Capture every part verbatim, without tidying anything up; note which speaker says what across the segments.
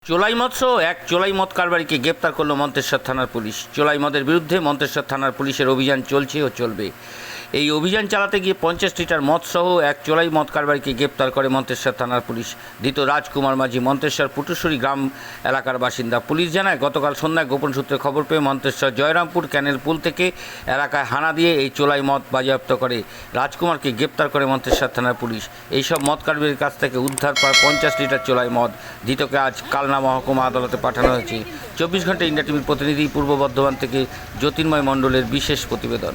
Speaker 1: চোলাই মদ সহ এক চোলাই মদ কারবারিকে গ্রেপ্তার করল মন্তেশ্বর থানার পুলিশ। চোলাই মদের বিরুদ্ধে মন্তেশ্বর থানার পুলিশের অভিযান চলছে ও চলবে। এই অভিযান চালাতে গিয়ে পঞ্চাশ লিটার মদ সহ এক চোলাই মদ কারবারিকে গ্রেপ্তার করে মন্তেশ্বর থানার পুলিশ। ধৃত রাজকুমার মাঝি মন্তেশ্বর পুটুশ্বরী গ্রাম এলাকার বাসিন্দা। পুলিশ জানায়, গতকাল সন্ধ্যায় গোপন সূত্রে খবর পেয়ে মন্তেশ্বর জয়রামপুর ক্যানেল পুল থেকে এলাকায় হানা দিয়ে এই চোলাই মদ বাজেয়াপ্ত করে রাজকুমারকে গ্রেপ্তার করে মন্তেশ্বর থানার পুলিশ। এইসব মদ কারবারির কাছ থেকে উদ্ধার প্রায় পঞ্চাশ লিটার চোলাই মদ। ধৃতকে আজ কালনা মহকুমা আদালতে পাঠানো হয়েছে। চব্বিশ ঘন্টা ইন্ডিয়া টিভির প্রতিনিধি পূর্ব বর্ধমান থেকে জ্যোতির্ময় মণ্ডলের বিশেষ প্রতিবেদন।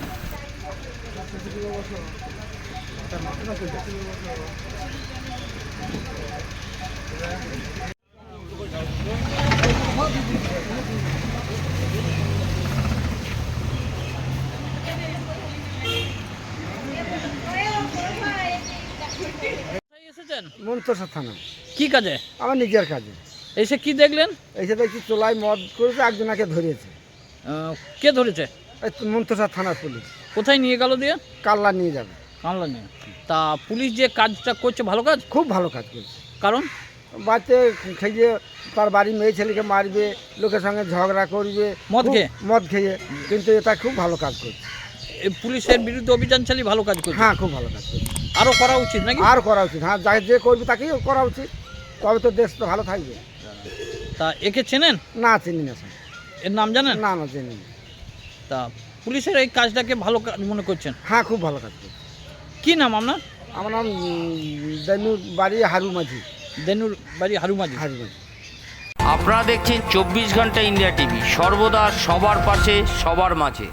Speaker 2: এসেছেন
Speaker 3: মন্তেশ্বর থানা।
Speaker 2: কি কাজে?
Speaker 3: আমার নিজের কাজে।
Speaker 2: এসে কি দেখলেন?
Speaker 3: এসে দেখছি চোলাই মদ করেছে, একজনকে ধরেছে।
Speaker 2: আহ, কে ধরেছে?
Speaker 3: এই তো মন্তেশ্বর থানার পুলিশ।
Speaker 2: কোথায় নিয়ে গেল দিয়ে?
Speaker 3: কাল্লা নিয়ে যাবে।
Speaker 2: কামলা নিয়ে। তা পুলিশ যে কাজটা করছে ভালো কাজ?
Speaker 3: খুব ভালো কাজ করছে।
Speaker 2: কারণ
Speaker 3: বাচ্চা খেয়ে তার বাড়ির মেয়ে ছেলেকে মারবে, লোকের সঙ্গে ঝগড়া করবে
Speaker 2: মদ
Speaker 3: খুব-
Speaker 2: খেয়ে?
Speaker 3: মদ খেয়ে, কিন্তু এটা খুব ভালো কাজ করছে।
Speaker 2: এ পুলিশের বিরুদ্ধে অভিযান চালিয়ে ভালো কাজ করছে।
Speaker 3: হ্যাঁ, খুব ভালো কাজ করছে।
Speaker 2: আরও করা উচিত নাকি?
Speaker 3: আর করা উচিত। হ্যাঁ, যা যে করবে তাকেই করা উচিত, তবে তো দেশ তো ভালো থাকবে।
Speaker 2: তা একে চেনেন?
Speaker 3: না, চিনি না স্যার।
Speaker 2: এর নাম জানেন?
Speaker 3: না না চিনি না।
Speaker 2: তা পুলিশের এই কাজটাকে ভালো কাজ মনে করছেন?
Speaker 3: হ্যাঁ, খুব ভালো কাজ করছে।
Speaker 2: কি নাম আপনার?
Speaker 3: আমার নাম দেনুর বাড়ি হারু মাঝি।
Speaker 2: দেনুর বাড়ি হারুমাঝি।
Speaker 3: হারু মাঝি।
Speaker 1: আপনারা দেখছেন চব্বিশ ঘন্টা ইন্ডিয়া টিভি, সর্বদা সবার পাশে সবার মাঝে।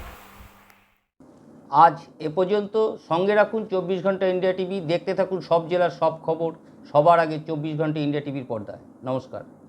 Speaker 1: আজ এ পর্যন্ত। সঙ্গে রাখুন চব্বিশ ঘন্টা ইন্ডিয়া টিভি। দেখতে থাকুন সব জেলার সব খবর সবার আগে চব্বিশ ঘন্টা ইন্ডিয়া টিভির পর্দায়। নমস্কার।